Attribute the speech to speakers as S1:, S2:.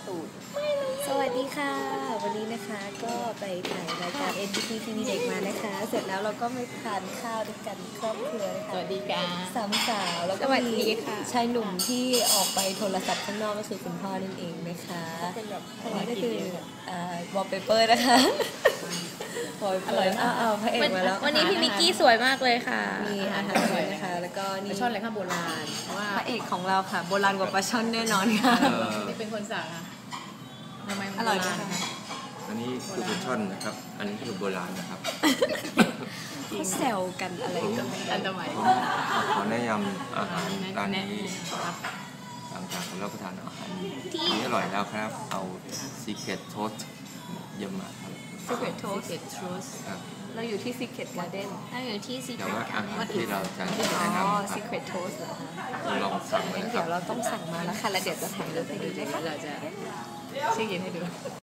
S1: ตูดสวัสดีค่ะวันนี้นะคะก็ไปถ่ายรายการ NTT ทีวีเด็กมานะคะเสร็จแล้วเราก็มาทานข้าวด้วยกันครอบครัวนะคะ
S2: สวัสดีค่ะ
S1: สามสาวแล้วก็มีชายหนุ่มที่ออกไปโทรศัพท์ข้างนอกก็คือคุณพ่อนั่นเองนะคะอันนี้ก็คือวอลเปเปอร์นะคะอร่อยมากพระเอกมาแล้ว
S2: วันนี้พี่มิกกี้สวยมากเลยค่ะ
S1: มีอาหารด้วยนะคะแล้วก็นี่
S2: ปลาช่อนอะไรข้าวโบราณ
S1: ว่าพระเอกของเราค่ะโบราณกว่าปลาช่อนแน่นอนค่ะ
S2: นี่เป็นคนสั่งค่ะทำไม
S1: อร่อยนะคะ
S3: อันนี้คือปลาช่อนนะครับอันนี้คือโบราณนะครับ
S1: เขาแซวกันอะไรกัน
S2: อันตราย
S3: ขอแนะนำอาหารร้านนี้หลังจากเรารับประทานอาหารนี้อร่อยแล้วครับเอา Secret Toast เยี่ยมมากครับ
S1: Secret Toast เราอยู่ที่ Secret Garden
S2: เราอยู่ที่
S3: แต่
S2: Secret
S3: ว่าอาหารที่เราจะแนะนำ
S1: Secret Toast เหรอคะ
S3: ลองสั่งเลยครับ
S1: เดี๋ยวเราต้องสั่งมาแล้วค่ะแล้วเดี๋ยวจะถ่ายรูปให้ดูด้วยค่ะ
S2: เราจะเช็คอินให้ดู